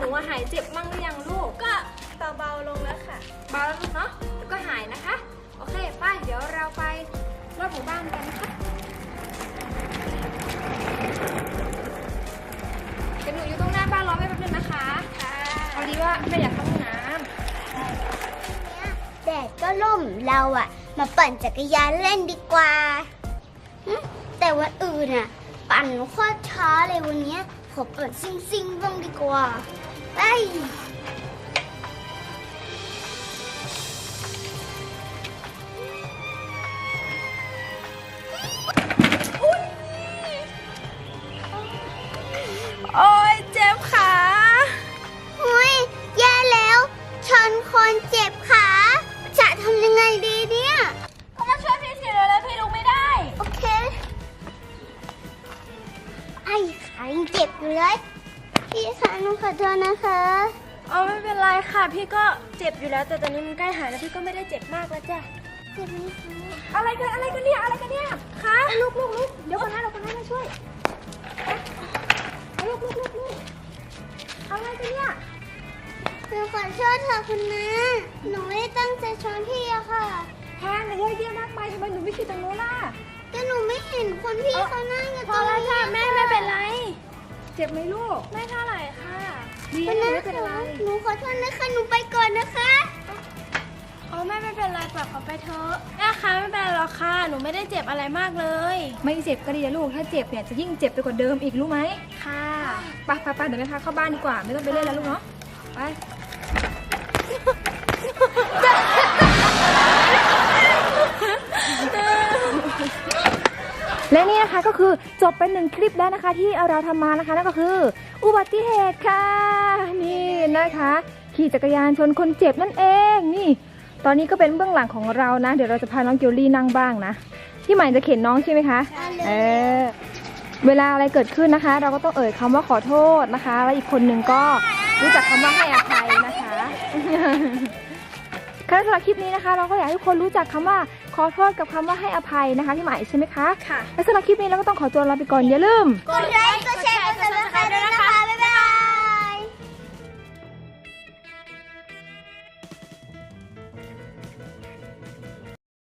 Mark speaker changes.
Speaker 1: ว่าหายเจ็บมั่งหรือยังลูก
Speaker 2: ก็เบาๆลงแล้วค่ะ
Speaker 1: เบาแล้วลูกเนาะแล้วก็หายนะคะโอเคป้าเดี๋ยวเราไปรอบหมู่บ้านกันนะคะเดี๋ยวหนูอยู่ตรงหน้าบ้านรอแม่แป๊บนึงนะคะค่ะพอดีว่าแม่อยากเข้าห้องน้
Speaker 3: แดดก็ร่มเราอะมาปั่นจักรยานเล่นดีกว่าแต่วันอื่นอะปั่นโคตรช้าเลยวันนี้ขอปั่นซิ่งบ้างดีกว่าไป
Speaker 2: โอ้ยเจ็บขา
Speaker 3: หุ้ยแย่แล้วชนคนเจ็บขาจะทำยังไงดีเนี่ย
Speaker 2: ก็มาช่วยพี่สิแล้วพี่ลุกไม่ได้
Speaker 3: โอเคไอ้ขายังเจ็บอยู่เลยพี่คะหนูขอโทษนะคะ
Speaker 2: เอาไม่เป็นไรค่ะพี่ก็เจ็บอยู่แล้วแต่ตอนนี้มันใกล้หายแล้วพี่ก็ไม่ได้เจ็บมากแล้วจ้ะ
Speaker 3: เจ็บไหมคะ
Speaker 1: ำอะไรกันเนี่ยคะลูกเดี๋ยวคนนั้นเราคนนั้นมาช่วยลูกอะไรกันเนี่ย
Speaker 3: หนูขอโทษค่ะคุณน้าหนูไม่ได้ตั้งใจชนพี่อะค่ะ
Speaker 1: แพงเยอะแยะมากมายทำไมหนูไม่คิดตรงโน้นล่ะ
Speaker 3: แต่หนูไม่เห็นคนพี่เขานั่งอยู่
Speaker 2: พ
Speaker 3: ตร
Speaker 2: อง แล้ว
Speaker 3: นี้
Speaker 2: ค่ะแม่ไม่เป็นไร
Speaker 1: เจ็บไหมลูก
Speaker 2: ไม่เท่าไหร่ค่ะ
Speaker 1: ดี
Speaker 3: คุณ
Speaker 1: นะหนู
Speaker 3: น้า
Speaker 1: ไม่เป็นไร
Speaker 3: หนูขอโทษนะคะหนูไปก่อนนะคะ
Speaker 2: โอ้แม่ไม่เป็นไรปล่อยเขาไปเถอะแม่คะไม่เป็นไรหรอกค่ะหนูไม่ได้เจ็บอะไรมากเลย
Speaker 1: ไม่เจ็บก็ดีนะลูกถ้าเจ็บเนี่ยจะยิ่งเจ็บไปกว่าเดิมอีกรู้ไหม
Speaker 2: ค่ะ
Speaker 1: ไปเดี๋ยวแม่พาเข้าบ้านดีกว่าไม่ต้องไปเล่นแล้วลูกเนาะไป และนี่นะคะก็คือจบเป็น1 คลิปแล้วนะคะที่เราทำมานะคะนั่นก็คืออุบัติเหตุค่ะนี่นะคะขี่จักรยานชนคนเจ็บนั่นเองนี่ตอนนี้ก็เป็นเบื้องหลังของเรานะเดี๋ยวเราจะพาน้องเกลลี่นั่งบ้างนะพี่ใหม่จะเข็นน้องใช่ไหมคะเวลาอะไรเกิดขึ้นนะคะ เราก็ต้องเอ่ยคำว่าขอโทษนะคะแล้วอีกคนหนึ่งก็รู้จักคำว่าให้อภัยนะคะค่ะสำหรับคลิปนี้นะคะเราก็อยากให้ทุกคนรู้จักคำว่าขอโทษกับคำว่าให้อภัยนะคะพี่ใหม่ใช่ไหมคะ
Speaker 2: ค่ะ
Speaker 1: และสำหรับคลิปนี้เราก็ต้องขอตัวลาไปก่อนอย่าลืม
Speaker 3: กดไลค์กดแชร์กดซับสไครต์ด้วยนะคะ